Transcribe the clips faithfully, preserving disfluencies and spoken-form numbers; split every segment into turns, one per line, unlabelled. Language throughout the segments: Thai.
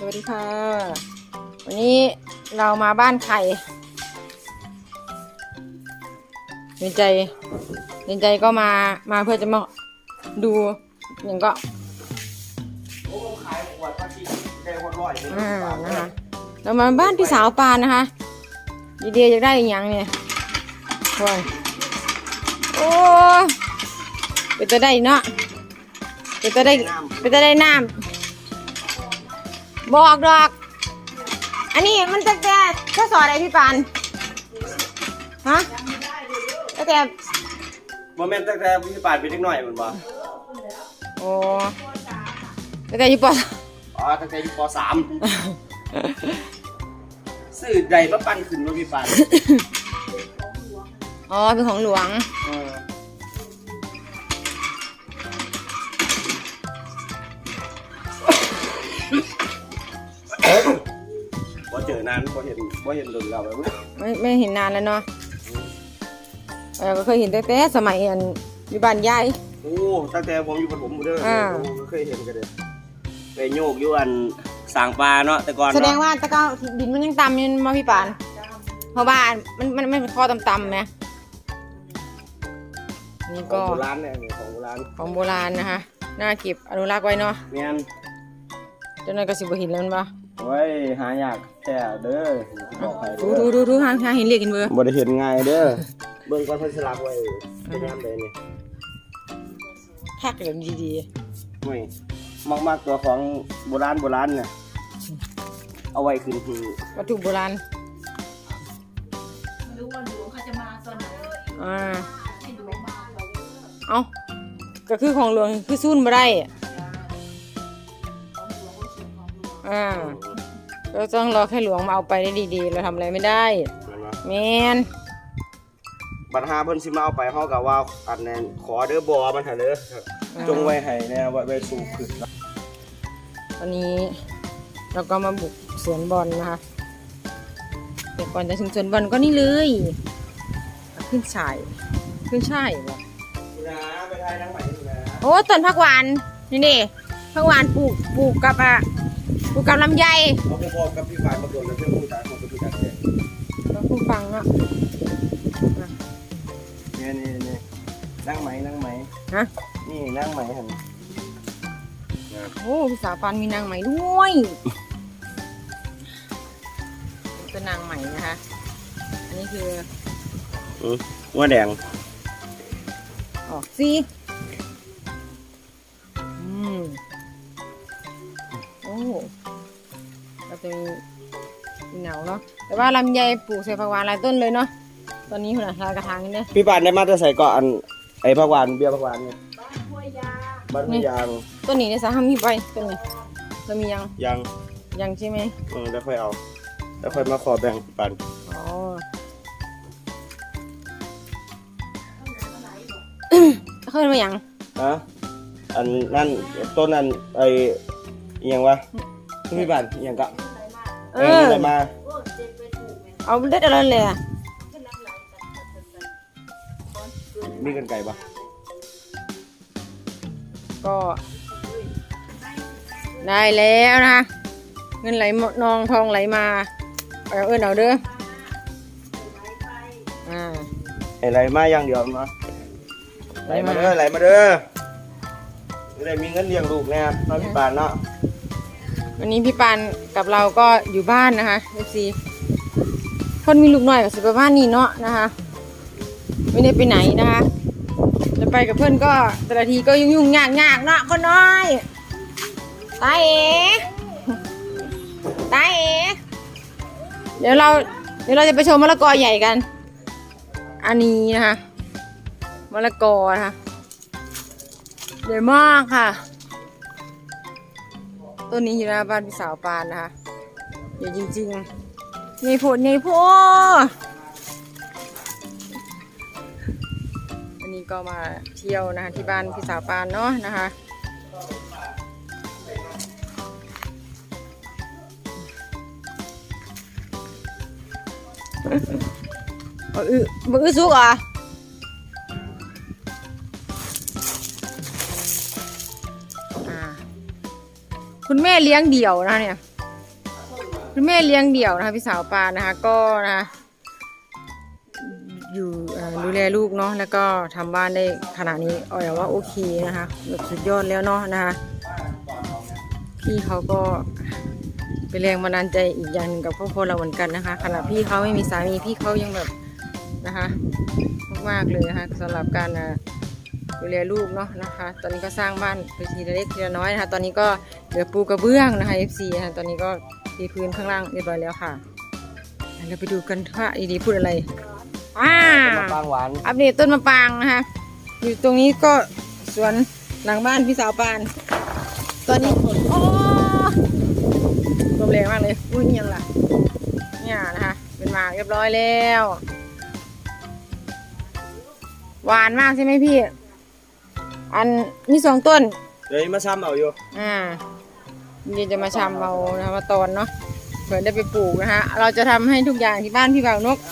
สวัสดีค่ะวันนี้เรามาบ้านไข่เรนใจเรนใจก็มามาเพื่อจะมาดูอย่างก็อ่านะคะเรามาบ้านพี่สาวปานนะคะดีเดียอยากได้อย่างเนี่ยโอ้ยโอ้เป็นจะได้เนาะเป็นจะได้เป็นจะได้น้ำบอกดอกอันนี้มันตั้งแต่ข้อสอบอะไรพี่ปานฮะตั้งแต่
โมเมนต์ตั้งแต่พี่ปานเป็นเด็กหน่อยมันบ่
โอ้ตั้งแต่อยู่ป.
อ๋อตั้งแต่อยู่ป.สามสื่อใดมาปั้นขึ้นมาพี่ปาน
อ๋อเป็นของหลวง
บ่เจอนานบ่เห็นบ่เห็นโดนเราแบบ
ไม่ไม่เห็นนานแล้วเนาะเราก็เคยเห็นแต่สมัยอันอยู่บ้านยาย
โอ้ตั้งแต่ผมอยู่ปฐมเด้อก็เคยเห็นกันเลยไปโยกอยู่อันสางปลาเนาะแต่ก่อน
แสดงว่าตะก้าดินมันยังต่ำยังมาพี่ปานเพราะบ้านมันมันไม่เป็นข้อต่ำๆไหมนี่ก็
ของโบราณเนี่ยของโบราณ
ของโบราณนะคะน่าเก็บอนุรักษ์ไว้เนาะ
เมียน
เจ้าหน้าก็สิบหินแล้วมันปะ
โอ้ยหายากแค่เด้อบอกใคร
ดูดูดูดูทางทางเห็นเรียกกันเบอร์
บ่ได้เห็นง่ายเด้อเบิ่งก่อนเพิ่นสลักไว้เป็นยามใดนี่
แพ็คแบบดี
ๆไม่มากๆตัวของโบราณโบราณเนี่ยเอาไว้ขึ้นคือ
วัตถุโบราณ
ดูว่าหลวงเขาจะมาตอนไหน
อ่า
ให้หลวงมาเรา
เอ้าก็คือของหลวงคือซุ่นมาได้อ่าก็ต้องรอแค่หลวงมาเอาไปได้ดีๆเราทำอะไรไม่ได้แมน
บัตรหาเพิ่นสิมาเอาไปเฮาก็ว่าอันนั้นขอเด้อบ่มันหั่นเด้อจงไว้ให้แน่ไว้ไว้สู่ขึ้น
วันนี้เราก็มาบุกสวนบอลนะคะแต่ก่อนจะถึงสวนบอลก็นี่เลยขึ้นช่ายขึ้นช่ายเหรอ
นะไปทายทั้งใหม่นะ
โอ้ต้นผักหวานนี่นี่ผักหวานปลูกปลูกกับอ่ะปลูกกับลำไย
เราไปพร้อมกับพี่ฝ่ายมาโดนแล้วเพื่อนผู้ตายของพี่ตายเอง
เราผู้ฟังเนาะ
นี่นี่นี่นั่งไหมนั่งไหม
ฮะ
นี่นั่งไหมเห็น
โอ้พี่สาวปานมีนางไหมด้วยเป็นนางไหมนะคะอันนี้คือ
อือว่าแดง
ออกสิอืมโอ้เราจะมีเหงาเนาะแต่ว่าลำไยปลูกใส่ผักหวานหลายต้นเลยเนาะตอนนี้คุณอาลายกระถางนี่เนี่ย
พี่ปานได้มาจะใส่ก่อนไอ้ผักหวานเบี้ยผักหวานเนี่ยบ้านห้วยยาง
ต้นนี้เนี่ยสามีไปต้นนี้เรามียัง
ยัง
ยังใช่ไหม
เออแล้วค่อยเอาแล้วค่อยมาขอแบ่งปัน
อ๋อเคยมายัง
ฮะอันนั่นต้นนั้นไอ้ยังวะพี่ปานยังกะเอออะไรมา
เอาเด็ดอะไรเลย
มีกันไก่ปะ
ก็ได้แล้วนะเงินไหลนองทองไหลมาเอาเอิ้นเอาเด้ออ่า
ไหลมาอย่างเดียวนะไหลมาเด้อไหลมาเด้อจะได้มีเงินเลี้ยงลูกแน่น้องพี่ปานเนาะ
วันนี้พี่ปานกับเราก็อยู่บ้านนะคะเอฟซีคนมีลูกหน่อยกับสิบบ้านนี่เนาะนะคะไม่ได้ไปไหนนะคะจะไปกับเพื่อนก็แต่ละทีก็ยุ่งยุ่งยากยากเนาะคนน้อยตาเอ๋ตาเอ๋เดี๋ยวเราเดี๋ยวเราจะไปชมมะละกอใหญ่กันอันนี้นะคะมะละกอนะคะใหญ่มากค่ะต้นนี้อยู่หน้าบ้านพี่สาวปานนะคะใหญ่จริงๆใหญ่โพดใหญ่โพดวันนี้ก็มาเที่ยวนะคะที่บ้านพี่สาวปานเนาะนะคะบะอื้อบะอื้อสุกอ่ะคุณแม่เลี้ยงเดี่ยวนะเนี่ยคุณแม่เลี้ยงเดี่ยวนะคะพี่สาวปานนะคะก็นะคะอยู่เอ่อดูแลลูกเนาะแล้วก็ทำบ้านได้ขนาดนี้เอาอย่างว่าโอเคนะคะแบบสุดยอดแล้วเนาะนะคะพี่เขาก็เป็นแรงบันดาลใจอีกอย่างหนึ่งกับครอบครัวเราเหมือนกันนะคะขณะพี่เขาไม่มีสามีพี่เขายังแบบนะคะมากๆเลยนะคะสำหรับการอ่ะดูแลลูกเนาะนะคะ ตอนนี้ก็สร้างบ้านไปทีละเล็กทีละน้อยนะคะตอนนี้ก็เหลือปูกระเบื้องนะคะ เอฟ ซี นะคะตอนนี้ก็ตีพื้นข้างล่างเรียบร้อยแล้วค่ะเราไปดูกันว่าอีดีพูดอะไรว้า
มะปรางหวาน
อัปเดตต้นมะปรางนะคะ อยู่ตรงนี้ก็สวนหลังบ้านพี่สาวปาน ตอนนี้โอ้ลมแรงมากเลยอุ้ยยังล่ะเนี่ยนะคะเป็นหมากเรียบร้อยแล้ว หวานมากใช่ไหมพี่ อันมีสองต้น
เดี๋ยวนี้มาซ้ำเอาอยู่
อ่าเดี๋ยวจะมาชำเอานะคะมาตอนเนาะเผื่อได้ไปปลูกนะคะเราจะทำให้ทุกอย่างที่บ้านพี่บ่าวนก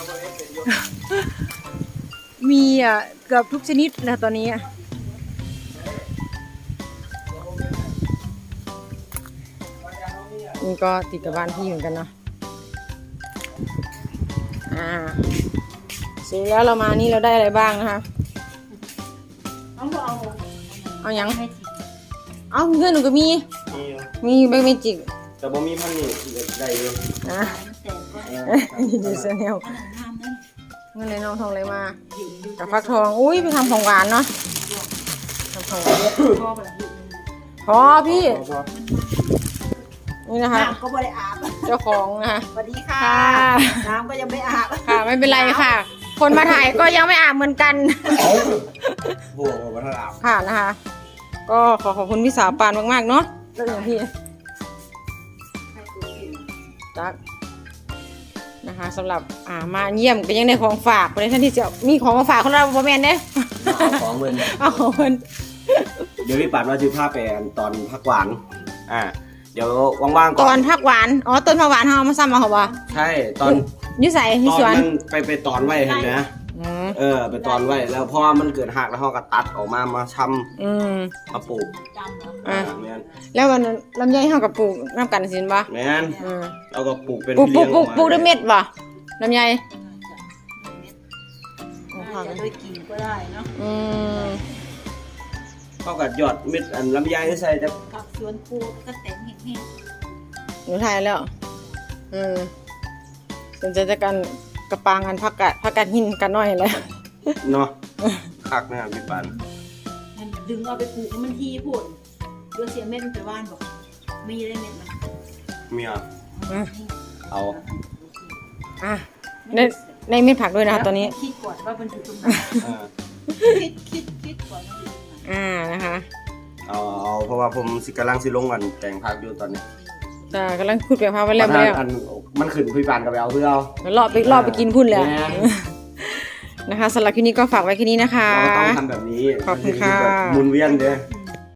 มีอ่ะเกือบทุกชนิดนะตอนนี้อะนี่ก็ติดกับบ้านพี่เหมือนกันเนาะอ่าเสร็จแล้วเรามานี่เราได้อะไรบ้างนะคะ
น้องก็เอา
เอายัง
ให้ที
เอาเพื่อนหนูก็มี
มีอยู่
มีแบงค์เมจิก
แต่บ่มีพันนี่ได้อยู่
นะ
แต่ก็
เออ
ดีเซเนล
ขนาดน้ำนั่น
เงินเลยน้องทองเลยมา
อยู่ดู
กับฟักทองอุ้ยไปทำของหวานเนาะทำของหวาน
ชอบอะไรอยู่
พอพี่นี่นะคะ
น้ำก็ไม่ได้อาบ
เจ้าของนะคะ
สวัสดีค่ะ
ค่ะ
น้ำก็ยังไม่อาบ
ค่ะไม่เป็นไรค่ะ คนมาถ่ายก็ยังไม่อาบเหมือนกัน
โอ้โหมาทลาบ
ค่ะนะคะ ก็ขอขอบคุณพี่สาวปานมากๆเนาะแล้วอย่างพี่จักนะคะสำหรับอ่ามาเยี่ยมก็ยังได้ของฝากในท่านที่จะมีของมาฝากคนเราบ่แม่นเด้
เอาของเงิน
เอาของเพิ่น
เดี๋ยวพี่ปัดว่าจะพาไปตอนพักหวานอ่าเดี๋ยวว่างๆ
ต
ก่
อ
อน น
ผักหวานอ๋อต้นผักหวานเฮาเอามาซ้ำมาเหรอวะ
ใช่ตอน
อยุ่ใส่ที่
ตอ
สวน น
มันไปไปตอนไว้เห็นไหม
อืม
เออไปตอนไว้แล้วเพราะว่ามันเกิดหักแล้วเขาก็ตัดออกมามาช
อืม
ำมาปลูก
จำเหรอ
อ่ะ
อ่าแมน
แล้ววันนั้นลำไยเฮากับปลูกน้ำกันสินบ่
แมน
อืม
เราก็ปลูกเป็น
ปลูกปลู
เลี้ย
ก
ง
ปลูก
ออกมา
ปลูกด้วยเม็ดบ่ลำไย
น่าจะด้วยกินก็ได้เนาะ
อืม
เขาก็หยอดเม็ดอันลำไยใส่แต่
ผักสวนปูก็แต่งแห้ง
หนูถ่ายแล้วอืมสนใจจะกันกระปางกันพักกะพักกันหินกันหน่อยเลย
เนาะคักนะครับพี่ปัน
ๆมันดึงเอาไปปลูกแล้วมันทีพูดเดี๋ยวเสียเม็ดมันไปว่านบอกมีได้เม็ดมัน
เมีย
อ่ะ
เอา
อ่ะในในเม็ดผักด้วยนะคะตอนนี้
คิดก่อนว่ามันอยู่ตรงไหน
อ่า
คิดคิดคิดก่อนว่ามันอยู่ตรงไหน
อ่านะคะ
เอาเอาเพราะว่าผมสิกำลังสิลงกันแกงผักอยู่ตอนนี้
แต่กำลังพูดเปลี่ยนภาพไว้แล้ว
ประ
ไป
ธาน
แล้ว
อันมันขึ้นพี่ปันก็ไปเอาเพื่อเอา
รอบไปรอบไปกินพุ่นแล้ว
แม่น
นะคะสำหรับคลิปนี้ก็ฝากไว้แค่นี้นะคะ
เราก็ต้องทำแบบนี้
ขอบคุณค่ะ
มันสิแบบหมุนเวียนเด้อ